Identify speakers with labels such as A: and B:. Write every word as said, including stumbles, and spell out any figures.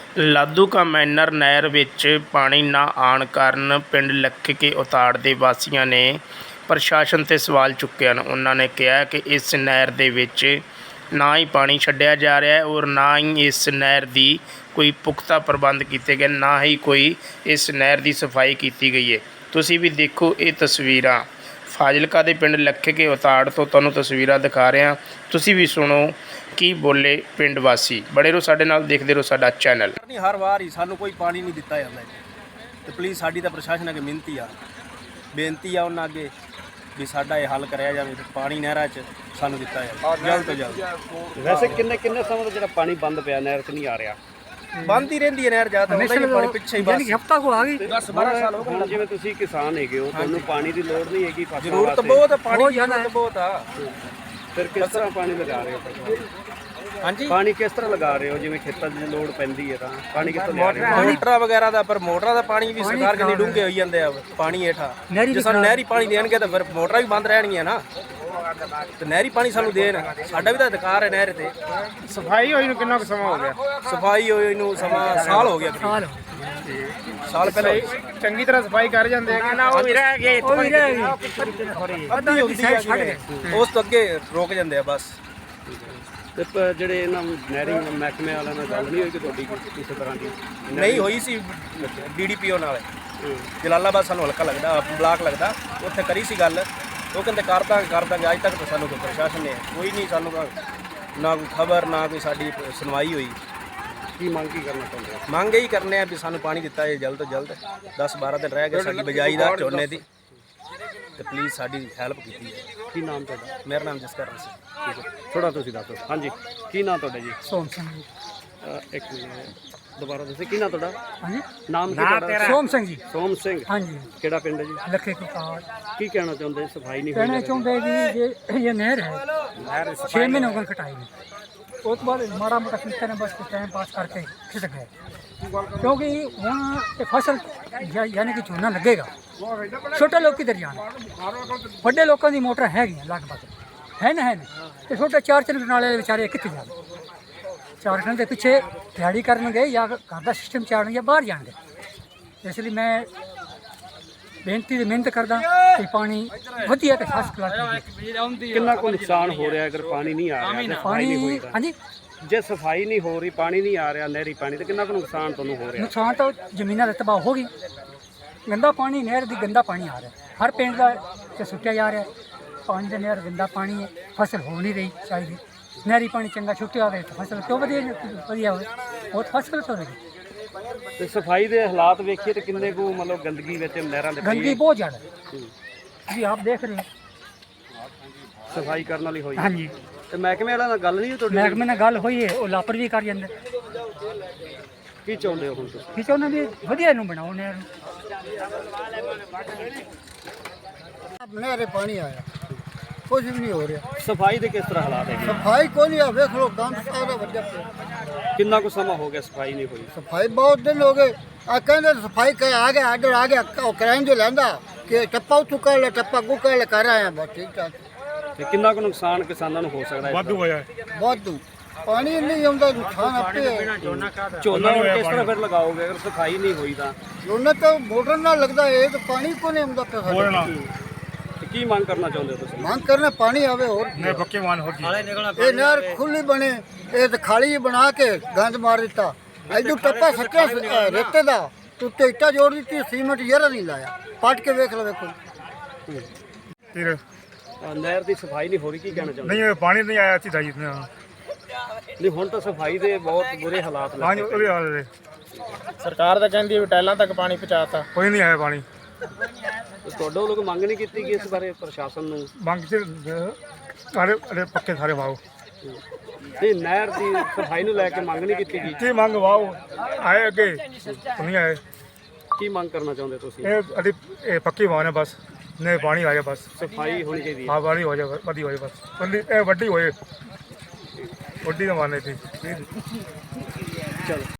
A: ਲਾਧੂ ਕਾ ਮੈਨਰ ਨਹਿਰ ਵਿੱਚ ਪਾਣੀ ਨਾ ਆਉਣ ਕਾਰਨ ਪਿੰਡ ਲੱਖਕੇ ਉਤਾੜ ਦੇ ਵਾਸੀਆਂ ਨੇ ਪ੍ਰਸ਼ਾਸਨ 'ਤੇ ਸਵਾਲ ਚੁੱਕੇ ਹਨ। ਉਹਨਾਂ ਨੇ ਕਿਹਾ ਕਿ ਇਸ ਨਹਿਰ ਦੇ ਵਿੱਚ ਨਾ ਹੀ ਪਾਣੀ ਛੱਡਿਆ ਜਾ ਰਿਹਾ ਹੈ ਔਰ ਨਾ ਹੀ ਇਸ ਨਹਿਰ ਦੀ ਕੋਈ ਪੁਖਤਾ ਪ੍ਰਬੰਧ ਕੀਤੇ ਗਏ, ਨਾ ਹੀ ਕੋਈ ਇਸ ਨਹਿਰ ਦੀ ਸਫਾਈ ਕੀਤੀ ਗਈ ਹੈ। ਤੁਸੀਂ ਵੀ ਦੇਖੋ ਇਹ ਤਸਵੀਰਾਂ ਫਾਜ਼ਿਲਕਾ ਦੇ ਪਿੰਡ ਲੱਖਕੇ ਉਤਾੜ ਤੋਂ ਤੁਹਾਨੂੰ ਤਸਵੀਰਾਂ ਦਿਖਾ ਰਿਹਾ। ਤੁਸੀਂ ਵੀ ਸੁਣੋ ਕੀ ਬੋਲੇ ਪਿੰਡ ਵਾਸੀ। ਬੜੇ ਰਹੋ ਸਾਡੇ ਨਾਲ, ਦੇਖਦੇ ਰਹੋ ਸਾਡਾ ਚੈਨਲ।
B: ਹਰ ਵਾਰ ਹੀ ਸਾਨੂੰ ਕੋਈ ਪਾਣੀ ਨਹੀਂ ਦਿੱਤਾ ਜਾਂਦਾ ਤੇ ਪਲੀਜ਼ ਸਾਡੀ ਤਾਂ ਪ੍ਰਸ਼ਾਸਨ ਅੱਗੇ ਮਿਹਨਤੀ ਆ ਬੇਨਤੀ ਆ ਉਹਨਾਂ ਅੱਗੇ ਵੀ ਸਾਡਾ ਇਹ ਹੱਲ ਕਰਿਆ ਜਾਵੇ, ਪਾਣੀ ਨਹਿਰਾਂ 'ਚ ਸਾਨੂੰ ਦਿੱਤਾ ਜਾਵੇ ਜਲਦ ਤੋਂ ਜਲਦ।
C: ਵੈਸੇ ਕਿੰਨੇ ਕਿੰਨੇ ਸਮੇਂ ਤੋਂ ਜਿਹੜਾ ਪਾਣੀ ਬੰਦ ਪਿਆ ਨਹਿਰ 'ਚ ਨਹੀਂ ਆ ਰਿਹਾ?
B: ਬੰਦ ਹੀ ਰਹਿੰਦੀ ਹੈ ਨਹਿਰ, ਜ਼ਿਆਦਾ ਹੁੰਦਾ ਹੀ ਪਾਣੀ ਪਿੱਛੇ ਹੀ ਬਸ
D: ਹਫ਼ਤਾ ਕੋ ਆ ਗਈ
B: ਦਸ ਬਾਰਾਂ ਸਾਲ ਹੋ
C: ਹੁਣ ਜਿਵੇਂ ਤੁਸੀਂ ਕਿਸਾਨ ਹੈਗੇ ਹੋ, ਤੁਹਾਨੂੰ ਪਾਣੀ ਦੀ ਲੋੜ ਨਹੀਂ ਹੈਗੀ ਫਸਲਾਂ
B: ਜ਼ਰੂਰਤ
C: ਵਾਸਤੇ?
B: ਬਹੁਤ ਹੈ, ਪਾਣੀ ਦੀ ਜ਼ਰੂਰਤ ਬਹੁਤ ਆ।
C: ਫਿਰ ਕਿਸ ਤਰ੍ਹਾਂ ਪਾਣੀ ਲਗਾ ਰਹੇ ਹੋ?
B: ਹਾਂਜੀ,
C: ਪਾਣੀ ਕਿਸ ਤਰ੍ਹਾਂ ਲਗਾ ਰਹੇ ਹੋ? ਜਿਵੇਂ ਖੇਤਾਂ 'ਚ ਲੋੜ ਪੈਂਦੀ ਹੈ ਤਾਂ ਪਾਣੀ ਕਿੱਥੋਂ ਲਿਆ ਰਹੇ ਹੋ?
B: ਮੋਟਰਾਂ ਵਗੈਰਾ ਦਾ, ਪਰ ਮੋਟਰਾਂ ਦਾ ਪਾਣੀ ਵੀ ਸਰਕਾਰ ਕਹਿੰਦੀ ਡੂੰਘੇ ਹੋਈ ਜਾਂਦੇ ਆ ਪਾਣੀ ਹੇਠਾਂ। ਜੇ ਸਾਨੂੰ ਨਹਿਰੀ ਪਾਣੀ ਦੇਣਗੇ ਤਾਂ ਫਿਰ ਮੋਟਰਾਂ ਵੀ ਬੰਦ ਰਹਿਣਗੀਆਂ ਨਾ, ਤੇ ਨਹਿਰੀ ਪਾਣੀ ਸਾਨੂੰ ਦੇਣ, ਸਾਡਾ ਵੀ ਤਾਂ ਅਧਿਕਾਰ ਹੈ ਨਹਿਰ ਤੇ।
A: ਸਫਾਈ ਹੋਈ ਨੂੰ ਕਿੰਨਾ ਕੁ ਸਮਾਂ ਹੋ ਗਿਆ?
B: ਸਫਾਈ ਹੋਈ ਨੂੰ ਸਮਾਂ ਸਾਲ ਹੋ ਗਿਆ,
D: ਸਾਲ
B: ਸਾਲ ਪਹਿਲਾਂ
A: ਚੰਗੀ ਤਰ੍ਹਾਂ ਸਫਾਈ ਕਰ ਜਾਂਦੇ ਹੈਗੇ ਨਾ, ਉਹ ਵੀ ਰਹਿ ਗਏ
D: ਉਹ ਵੀ ਰਹਿ ਗਈ
B: ਅੱਧੀ ਹੁੰਦੀ ਹੈ, ਉਸ ਤੋਂ ਅੱਗੇ ਰੋਕ ਜਾਂਦੇ ਆ ਬਸ।
C: ਤੇ ਪ- ਜਿਹੜੇ ਇਹਨਾਂ ਨਹਿਰੀ ਮਹਿਕਮੇ ਵਾਲਿਆਂ ਨਾਲ ਗੱਲ ਨਹੀਂ ਹੋਈ ਕਿ ਤੁਹਾਡੀ ਕਿਸੇ ਤਰ੍ਹਾਂ ਦੀ?
B: ਨਹੀਂ ਹੋਈ ਸੀ ਡੀ ਡੀ ਪੀ ਓ ਨਾਲ, ਜਲਾਲਾਬਾਦ ਸਾਨੂੰ ਹਲਕਾ ਲੱਗਦਾ, ਬਲਾਕ ਲੱਗਦਾ, ਉੱਥੇ ਕਰੀ ਸੀ ਗੱਲ। ਉਹ ਕਹਿੰਦੇ ਕਰ ਦਾਂਗੇ ਕਰ ਦਾਂਗੇ, ਅੱਜ ਤੱਕ ਤਾਂ ਸਾਨੂੰ ਕੋਈ ਪ੍ਰਸ਼ਾਸਨ ਨੇ ਕੋਈ ਨਹੀਂ, ਸਾਨੂੰ ਨਾ ਕੋਈ ਖਬਰ ਨਾ ਕੋਈ ਸਾਡੀ ਸੁਣਵਾਈ ਹੋਈ।
C: ਕੀ ਮੰਗ ਕੀ ਕਰਨਾ ਚਾਹੁੰਦੇ ਹੋ?
B: ਮੰਗ ਇਹੀ ਕਰਨੇ ਆ ਵੀ ਸਾਨੂੰ ਪਾਣੀ ਦਿੱਤਾ ਜਾਏ ਜਲਦ ਤੋਂ ਜਲਦ। ਦਸ ਬਾਰਾਂ ਦਿਨ ਰਹਿ ਗਏ ਸਾਡੀ ਬਿਜਾਈ ਦਾ ਝੋਨੇ ਦੀ, ਤੇ ਪਲੀਜ਼ ਸਾਡੀ ਹੈਲਪ ਕੀਤੀ ਜਾਏ।
C: ਕੀ ਨਾਮ ਤੁਹਾਡਾ?
B: ਮੇਰਾ ਨਾਮ ਜਸਕਰਨ ਸਿੰਘ।
C: ਠੀਕ ਹੈ, ਥੋੜਾ ਤੁਸੀਂ ਦੱਸੋ। ਹਾਂਜੀ, ਕੀ ਨਾਮ ਤੁਹਾਡਾ ਜੀ?
D: ਸੋਮ ਸਿੰਘ ਜੀ।
C: ਅ, ਇੱਕ ਮਿੰਟ ਦੁਬਾਰਾ ਦੱਸੋ, ਕੀ ਨਾਮ ਤੁਹਾਡਾ?
D: ਹਾਂਜੀ,
C: ਨਾਮ ਕੀ ਤੁਹਾਡਾ?
D: ਸੋਮ ਸਿੰਘ ਜੀ।
C: ਸੋਮ ਸਿੰਘ।
D: ਹਾਂਜੀ,
C: ਕਿਹੜਾ ਪਿੰਡ ਹੈ ਜੀ?
D: ਲੱਖੇ ਕੁਤਾੜ।
C: ਕੀ ਕਹਿਣਾ ਚਾਹੁੰਦੇ? ਸਫਾਈ ਨਹੀਂ ਹੋਈ?
D: कहना चाहते हैं कि ये ये नहर है, छः महीने हो गए कटाई में, ਉਸ ਤੋਂ ਬਾਅਦ ਮਾੜਾ ਮੋਟਾ ਕੀਤਾ ਨੇ ਬਸ ਟਾਈਮ ਪਾਸ ਕਰਕੇ ਖਿਸਕ ਗਏ, ਕਿਉਂਕਿ ਹੁਣ ਇਹ ਫਸਲ ਯਾ- ਯਾਨੀ ਕਿ ਝੋਨਾ ਲੱਗੇਗਾ। ਛੋਟੇ ਲੋਕ ਕਿੱਧਰ ਜਾਣ, ਵੱਡੇ ਲੋਕਾਂ ਦੀ ਮੋਟਰ ਹੈਗੀਆਂ ਲਗਭਗ ਹੈ ਨਾ, ਹੈ ਨਾ, ਤੇ ਛੋਟੇ ਚਾਰ ਚੰਨ ਨਾਲੇ ਵਿਚਾਰੇ ਕਿੱਥੇ ਜਾਣ? ਚਾਰ ਚੰਨ ਦੇ ਪਿੱਛੇ ਦਿਹਾੜੀ ਕਰਨਗੇ ਜਾਂ ਘਰ ਦਾ ਸਿਸਟਮ ਚਾੜਨਗੇ ਜਾਂ ਬਾਹਰ ਜਾਣਗੇ। ਇਸ ਲਈ ਮੈਂ ਬੇਨਤੀ ਦੀ ਮਿਹਨਤ ਕਰਦਾ ਕਿ ਪਾਣੀ ਵਧੀਆ ਤੇ ਫਸਟ ਕਲਾਸ ਮਿਲੇ।
C: ਕਿੰਨਾ ਕੁ ਨੁਕਸਾਨ ਹੋ ਰਿਹਾ ਅਗਰ ਪਾਣੀ ਨਹੀਂ ਆ ਰਿਹਾ? ਸਫਾਈ ਨਹੀਂ ਹੋਈ
D: ਪਾਣੀ
C: ਤਾਂ?
D: ਹਾਂਜੀ,
C: ਜੇ ਸਫਾਈ ਨਹੀਂ ਹੋ ਰਹੀ, ਪਾਣੀ ਨਹੀਂ ਆ ਰਿਹਾ ਨਹਿਰੀ ਪਾਣੀ, ਤਾਂ ਕਿੰਨਾ ਕੁ ਨੁਕਸਾਨ ਤੁਹਾਨੂੰ ਹੋ ਰਿਹਾ?
D: ਨੁਕਸਾਨ ਤਾਂ ਜ਼ਮੀਨਾਂ ਦਾ ਤਬਾਹ ਹੋ ਗਈ। ਗੰਦਾ ਪਾਣੀ, ਨਹਿਰ ਦੀ ਗੰਦਾ ਪਾਣੀ ਆ ਰਿਹਾ, ਹਰ ਪਿੰਡ ਦਾ ਤੇ ਸੁੱਟਿਆ ਜਾ ਰਿਹਾ ਪਾਣੀ ਦਾ। ਨਹਿਰ ਗੰਦਾ ਪਾਣੀ ਹੈ, ਫਸਲ ਹੋ ਨਹੀਂ ਰਹੀ ਚਾਹੀਦੀ। ਨਹਿਰੀ ਪਾਣੀ ਚੰਗਾ ਛੁੱਟਿਆ ਹੋਵੇ ਤਾਂ ਫਸਲ ਕਿਉਂ ਵਧੀਆ ਵਧੀਆ ਹੋਵੇ, ਉਹ ਤਾਂ ਫਸਲ ਤੋਂ ਰਹੀ।
C: ਤੇ ਸਫਾਈ ਦੇ ਹਾਲਾਤ ਵੇਖੀਏ ਤੇ ਕਿੰਨੇ ਕੁ ਮਤਲਬ ਗੰਦਗੀ ਵਿੱਚ ਨਹਿਰਾਂ ਦੇ
D: ਗੰਦਗੀ ਬਹੁਤ ਜ਼ਿਆਦਾ ਹੈ ਜੀ, ਆਪ ਦੇਖ ਰਹੇ ਹੋ।
C: ਸਫਾਈ ਕਰਨ ਵਾਲੀ ਹੋਈ?
D: ਹਾਂਜੀ,
C: ਤੇ ਮਹਿਕਮੇ ਵਾਲਿਆਂ ਨਾਲ ਗੱਲ ਨਹੀਂ ਹੋਈ ਤੁਹਾਡੀ?
D: ਮਹਿਕਮੇ ਨਾਲ ਗੱਲ ਹੋਈ ਹੈ, ਉਹ ਲਾਪਰ ਵੀ ਕਰ ਜਾਂਦੇ।
C: ਕੀ ਚਾਹੁੰਦੇ ਹੋ ਹੁਣ ਤੁਸੀਂ?
D: ਠੀਕ ਹੈ, ਉਹਨਾਂ ਵੀ ਵਧੀਆ ਇਹਨੂੰ ਬਣਾਓ ਨਹਿਰ ਨੂੰ।
E: ਨਹਿਰੇ ਪਾਣੀ ਆਇਆ, ਕੁਝ ਵੀ ਨਹੀਂ ਹੋ ਰਿਹਾ।
C: ਸਫਾਈ ਦੇ ਕਿਸ ਤਰ੍ਹਾਂ ਹਾਲਾਤ ਹੈਗੇ?
E: ਸਫਾਈ ਕੋਈ ਨਹੀਂ ਆ, ਵੇਖ ਲੋ ਗੰਦ ਸਾਰਾ ਵੱਜਿਆ ਪਿਆ।
C: ਕਿੰਨਾ ਕੁ ਸਮਾਂ ਹੋ ਗਿਆ ਸਫਾਈ ਨਹੀਂ ਹੋਈ?
E: ਸਫਾਈ ਬਹੁਤ ਦਿਨ ਹੋ ਗਏ। ਆ ਕਹਿੰਦੇ ਸਫਾਈ ਕਰ ਆ ਗਿਆ, ਆਰਡਰ ਆ ਗਿਆ, ਉਹ ਕਰਾਉਣ ਜੋ ਲੈਂਦਾ ਕਿ ਟੱਪਾ ਉੱਥੋਂ ਕਰ ਲੈ, ਟੱਪਾ ਕੋ ਕਰ ਲੈ, ਕਰ ਆਇਆ ਬਸ ਠੀਕ ਠਾਕ।
C: ਤੇ ਕਿੰਨਾ ਕੁ ਨੁਕਸਾਨ ਕਿਸਾਨਾਂ ਨੂੰ ਹੋ ਸਕਦਾ ਹੈ? ਵਾਧੂ ਹੋਇਆ।
E: ਵਾਧੂ ਪਾਣੀ ਨਹੀਂ ਆਉਂਦਾ, ਨੁਕਸਾਨ ਆਪੇ ਹੈ।
C: ਝੋਨਾ ਹੁਣ ਕਿਸ ਤਰ੍ਹਾਂ ਫਿਰ ਲਗਾਓਗੇ ਅਗਰ ਸਫਾਈ ਨਹੀਂ ਹੋਈ ਤਾਂ?
E: ਉਹਨਾਂ ਤਾਂ ਮੋਟਰ ਨਾਲ ਲੱਗਦਾ ਹੈ, ਇਹ ਤਾਂ ਪਾਣੀ ਕੋ ਨਹੀਂ ਆਉਂਦਾ ਪਿਆ ਸਾਡੇ।
C: ਤੇ ਕੀ ਮੰਗ ਕਰਨਾ ਚਾਹੁੰਦੇ ਹੋ ਤੁਸੀਂ?
E: ਮੰਗ ਕਰਨਾ ਪਾਣੀ ਆਵੇ, ਹੋਰ
A: ਨਹੀਂ ਪੱਕੇ ਮਾਨ ਹੋ
E: ਇਹ ਨਹਿਰ ਖੁੱਲੀ ਬਣੇ, ਇਹ ਤਾਂ ਖਾਲੀ ਬਣਾ ਕੇ ਗੰਦ ਮਾਰ ਦਿੱਤਾ। ਐਡੂ ਟੱਪਾ ਸੱਚਾ ਰੇਤੇ ਦਾ, ਉੱਤੇ ਇੱਟਾਂ ਜੋੜ ਦਿੱਤੀ, ਸੀਮੈਂਟ ਯਾਰਾ ਨਹੀਂ ਲਾਇਆ। ਪੱਟ ਕੇ ਵੇਖ ਲਵੇ ਕੋਈ।
A: ਫਿਰ
C: ਅ, ਨਹਿਰ ਦੀ ਸਫਾਈ ਨਹੀਂ ਹੋ ਰਹੀ, ਕੀ ਕਹਿਣਾ ਚਾਹੁੰਦੇ?
A: ਨਹੀਂ ਪਾਣੀ ਨਹੀਂ ਆਇਆ ਸੀ ਦਾਈ ਇਤਨਾ।
C: ਨਹੀਂ, ਹੁਣ ਤਾਂ ਸਫਾਈ ਦੇ ਬਹੁਤ ਬੁਰੇ ਹਾਲਾਤ
A: ਹਾਂ ਜੀ,
C: ਲੱਗੇ।
A: ਉਹ ਵੀ ਹਾਲ ਹੈ।
B: ਸਰਕਾਰ ਤਾਂ ਕਹਿੰਦੀ ਹੈ ਵੀ ਟੈਲਾਂ ਤੱਕ ਪਾਣੀ ਪਹੁੰਚਾਤਾ।
A: ਕੋਈ ਨਹੀਂ ਆਇਆ ਪਾਣੀ।
C: ਤੇ ਤੁਹਾਡੇ ਵੱਲੋਂ ਕੋਈ ਮੰਗ ਨਹੀਂ ਕੀਤੀ ਗਈ ਇਸ ਬਾਰੇ ਪ੍ਰਸ਼ਾਸਨ ਨੂੰ?
A: ਮੰਗ ਚ ਸਾਰੇ ਅਰੇ ਪੱਕੇ ਸਾਰੇ ਵਾਓ।
C: ਨਹੀਂ, ਨਹਿਰ ਦੀ ਸਫਾਈ ਨੂੰ ਲੈ ਕੇ ਮੰਗ ਨਹੀਂ ਕੀਤੀ ਗਈ?
A: ਕੀ ਮੰਗ ਵਾਓ ਆਏ ਅੱਗੇ ਨਹੀਂ ਆਏ।
C: ਕੀ ਮੰਗ ਕਰਨਾ ਚਾਹੁੰਦੇ ਤੁਸੀਂ?
A: ਇਹ ਅੜੀ ਇਹ ਪੱਕੀ ਵਾਹ ਨੇ ਬਸ, ਨੇ ਪਾਣੀ ਆ ਜਾਏ ਬਸ।
C: ਸਫਾਈ ਹੋਣੀ ਚਾਹੀਦੀ ਹੈ।
A: ਹਾਂ ਪਾਣੀ ਹੋ ਜਾਏ, ਵਧੀ ਹੋਏ ਬਸ, ਵੱਡੀ ਇਹ ਵੱਡੀ ਹੋਏ, ਵੱਡੀ ਦਾ ਮਾਨੇ ਸੀ।
C: ਚਲੋ।